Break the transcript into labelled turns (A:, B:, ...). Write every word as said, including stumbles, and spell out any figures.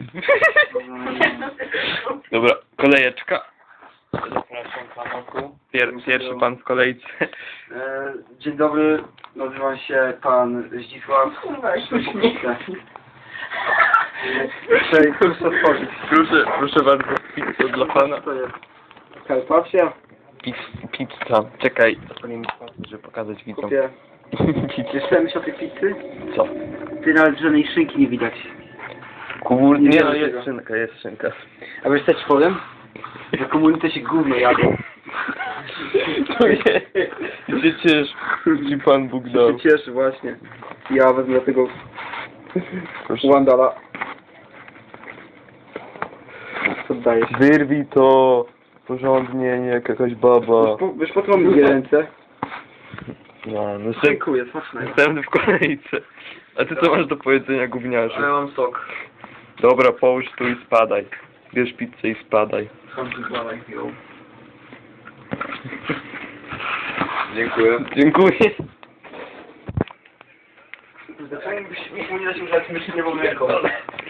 A: Dobra, kolejeczka. Zapraszam panoku. Pier pierwszy pan w kolejce.
B: E, Dzień dobry, nazywam się pan Zdzisław. Proszę, proszę otworzyć.
A: Proszę, proszę bardzo, pizza dla pana.
B: To jest Karpacja.
A: Pizza, pizza. Czekaj, zapalimy pasy, żeby pokazać widzom.
B: Kupię.
A: Pizza.
B: Jeszcze myśl o tej pizzy?
A: Co?
B: Ty nawet żadnej szynki nie widać.
A: Kurde,
B: Nie
A: nie
B: wiem
A: no,
B: tego.
A: jest szynka, jest szynka.
B: A wiesz co ci powiem? Że komunity się gówno jadą.
A: To nie, się ciesz, ci pan Bóg dał.
B: się cieszy właśnie. Ja wezmę tego
A: Proszę.
B: Wandala. Co dajesz?
A: Wyrwij to porządnie, nie jak jakaś baba.
B: Wiesz po, wiesz po co mam dwie ręce?
A: No, no
B: Dziękuję, smacznego.
A: następny w kolejce. A ty co masz do powiedzenia, gówniarzu?
B: A ja mam sok.
A: Dobra, połóż tu i spadaj. Bierz pizzę i spadaj.
B: Dziękuję.
A: Dziękuję.
B: Dlaczego byś mi nie dać używać myszy nie wolnego?